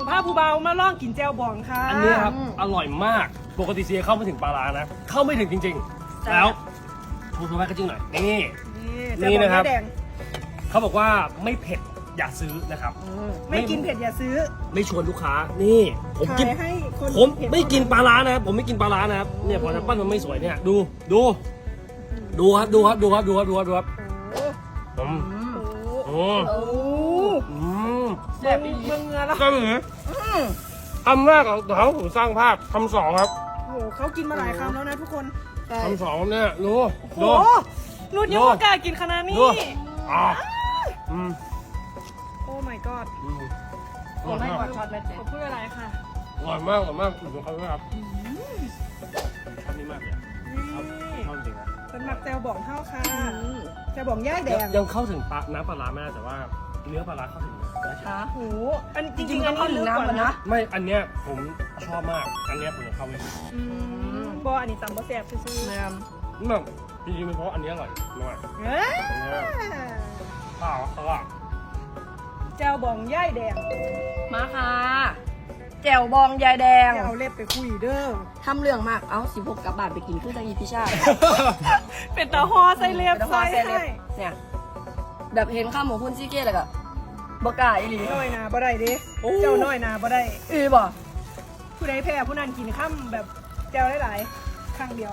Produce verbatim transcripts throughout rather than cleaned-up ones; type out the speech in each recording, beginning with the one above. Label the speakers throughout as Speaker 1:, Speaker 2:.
Speaker 1: ผ้าผู้เบามาล่องกินแจวบองค่ะ
Speaker 2: อันนี้ครับอร่อยมากปกติเซียเข้าไม่ถึงปลาร้านะเข้าไม่ถึงจริงๆแล้วพูดมาก็จริงหน่อยนี่ นี่นะครับ เขาบอกว่าไม่เผ็ดอย่าซื้อนะครับ
Speaker 1: ไม่กินเผ็ดอย่าซื้อ
Speaker 2: ไม่ชวนลูกค้านี่ผมกิน
Speaker 1: ขายให้คน
Speaker 2: ผม
Speaker 1: เผ็ด
Speaker 2: ไม่กินปลาร้านะครับผมไม่กินปลาร้านะครับเนี่ยพอจะปั้นมันไม่สวยเนี่ยดูดูดูครับดูครับดูครับดูครับดูครับดูครับ
Speaker 1: โอ้
Speaker 2: อืม
Speaker 1: โห
Speaker 2: อืมอืม
Speaker 1: แซ่บอีเมืองเงือแล้ว
Speaker 2: ก็เหมือนคำแรกของเขาผมสร้างภาพคำสองครับ
Speaker 1: โอ้โหเขากินมาหลายคำแล้วนะทุกคน
Speaker 2: คำสองเนี่ยดู
Speaker 1: โอ้
Speaker 2: ดู
Speaker 1: โหรุ่นยังไม่กล้ากินขนาดนี้
Speaker 2: ดูอ่าอืม
Speaker 1: โอ้ my god
Speaker 2: อืมอ
Speaker 3: โอ้
Speaker 2: ร่อย
Speaker 3: ไม่
Speaker 2: มาก
Speaker 3: กดช็อตเลย
Speaker 1: ขอพูดอะไรค่ะ
Speaker 2: อร่อยมากอร่อยมากดูเขาด้วยครับชอบนี่มากเลยอะชอบ
Speaker 1: นี่
Speaker 2: ชอบจริงนะ
Speaker 1: เป็นหมักแจวบองเข้าค่ะแจวบองย่ายแดง
Speaker 2: ยังเข้าถึงปลาน้ำปลาร้าไม่ได้แต่ว่าเนื้อปลาร้าเข้าถึงนะ
Speaker 3: ฮะ
Speaker 1: โอ้โหอันจ
Speaker 3: จ
Speaker 1: ริ
Speaker 3: ริ
Speaker 1: ง
Speaker 3: ง
Speaker 1: ๆ
Speaker 3: ๆ
Speaker 1: อั
Speaker 3: ต้อน ง
Speaker 1: นี้
Speaker 3: เข้าถึ
Speaker 1: ลึ
Speaker 3: ง
Speaker 1: กกว่า
Speaker 3: น้ำก่อน
Speaker 1: นะ
Speaker 3: นะ
Speaker 2: ไม่อันเนี้ยผมชอบมากอันเนี้ยผมจะเข้าไม่ถึง
Speaker 1: อืมบออันนี้ตำบะแซ่บซื่อ
Speaker 3: แม่
Speaker 2: นี่แบบจริงๆเป็นเพราะอันเนี้ยอร่อยมาก
Speaker 1: ๆเอ้ย
Speaker 2: อันเนี้ยข้าวเขาอะ
Speaker 1: แจวบองย่ายแดง
Speaker 3: มาค่ะ แจ่วบองยายแดง
Speaker 1: อย่าเอาเล็บไปคุยเด้อ
Speaker 3: ทำเรื่องมาก เอ้าสิบหกกลับบาทไปกินคือจังอีพิชาติ
Speaker 1: เป็นตาฮอใส่เล็บ
Speaker 3: แล้วก็
Speaker 1: ใส่
Speaker 3: เส้นเล็
Speaker 1: ให้
Speaker 3: บเนี่ย แบบเห็นข้าวหมูพุ่นซี่เก้เลยก็บกล้าอีหลี
Speaker 1: น้อยนาบ่ได้เดิเจ้าน้อยนาบ่ได้
Speaker 3: อือบ่
Speaker 1: ผู้ใดแพ้ผู้นั้นกินข้ามแบบแจวหลายๆครั้งเดียว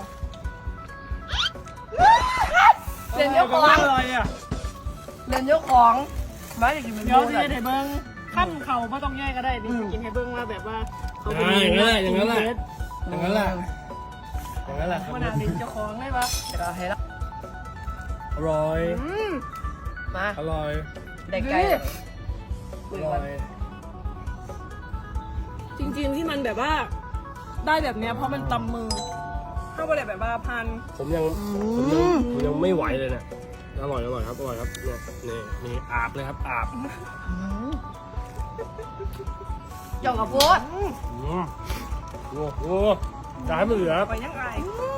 Speaker 3: เรียนเจ้าของ
Speaker 2: อร่อยอะ
Speaker 3: เรียนเจ้าของมาอยากกินเป็น
Speaker 1: เดี๋ยว
Speaker 3: โม่
Speaker 1: สิ
Speaker 3: เลย
Speaker 1: ให้เบิ่งขั้นเขาไม่ต้องแยกก็ได้นี่กินให้เบิ่งว่าแบบว่าเขาเป็น
Speaker 2: อย่างนั้นแหละอย่างนั้นแหละอย่างนั้นแหละอย่างนั้นแหละครับ
Speaker 1: ขนาดเป็นเจ้าของได้ปะ
Speaker 3: เดี๋ยวเราให้ละ
Speaker 2: อร่อย
Speaker 1: อืม
Speaker 3: มา
Speaker 2: อร่อย
Speaker 3: ได้ไก่
Speaker 2: อร่อย
Speaker 1: จริงๆที่มันแบบว่าได้แบบเนี้ยเพราะมันตำมือเข้าไปเลยแบบว่าพัน
Speaker 2: ผมยังผมยังผมยังไม่ไหวเลยเนี่ยอร่อยอร่อยครับอร่อยครับเนี่ยนี่นี่อาบเลยครับอาบ
Speaker 3: เจ้ากับโพด
Speaker 1: อืม
Speaker 2: อืมโอ้โหอย่าให้มันเหลือ
Speaker 1: ไปยังไง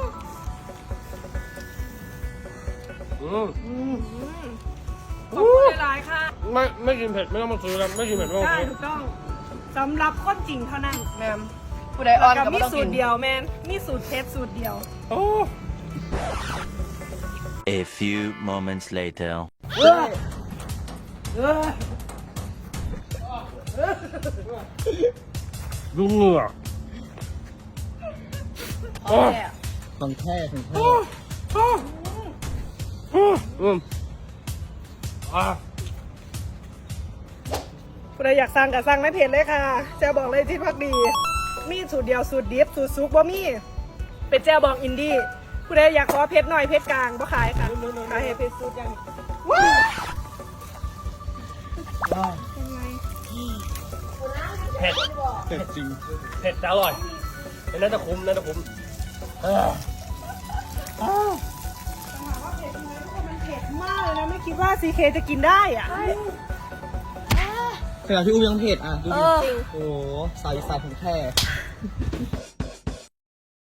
Speaker 2: อืม
Speaker 1: อืมขอบคุณหลายๆค่ะ
Speaker 2: ไม่ไม่กินเผ็ดไม่ต้องมาซื้อแล้วไม่กินเผ็ดไม่ต้อง
Speaker 1: ได้
Speaker 2: ซื้อ
Speaker 1: ถูกต้องสำหรับคนจริงเท่านั้น
Speaker 3: แม่มผู้ใดอ่อน
Speaker 1: กับ
Speaker 3: ก็
Speaker 1: มี
Speaker 3: ไม่ต้อง
Speaker 1: สู
Speaker 3: กิ
Speaker 1: ต
Speaker 3: น
Speaker 1: รเดียวแมนมีสูตรเทปสูตรเดียว
Speaker 2: โอ้
Speaker 4: A few moments later.
Speaker 2: ดูเหงื่อ
Speaker 3: โอ้ย
Speaker 5: ของแท้ของแท้
Speaker 2: อืมอ่ะ
Speaker 1: ผู้ใดอยากสั่งก็สั่งในเพจเลยค่ะแจวบอกเลยที่พักดี มีสูตรเดียวสูตรดิฟสูตรซุปบ่มีเป็นแจวบอกอินดี้ผู้ใดอยากขอเพชรหน่อยเพชรกลางบ่ขายค่ะขายให้เพชรสูตรอย่างว้าวเป็นไง
Speaker 2: เผ็ด
Speaker 5: เผ็ดจริง
Speaker 2: เผ็ดแต่อร่อยน่าจะคุ้มน่าจะคุ้มเออ
Speaker 1: ถามว่าเผ็ดไหมทุกคนมันเผ็ดมากเลยนะไม่คิดว่าซีเคจะกินได้อ่ะ
Speaker 5: ขนาดพี่อุ้มยังเผ็ดอ่ะ ดู
Speaker 3: เอ
Speaker 5: ดิ
Speaker 3: อ
Speaker 5: โอ้โหสายสายของแท้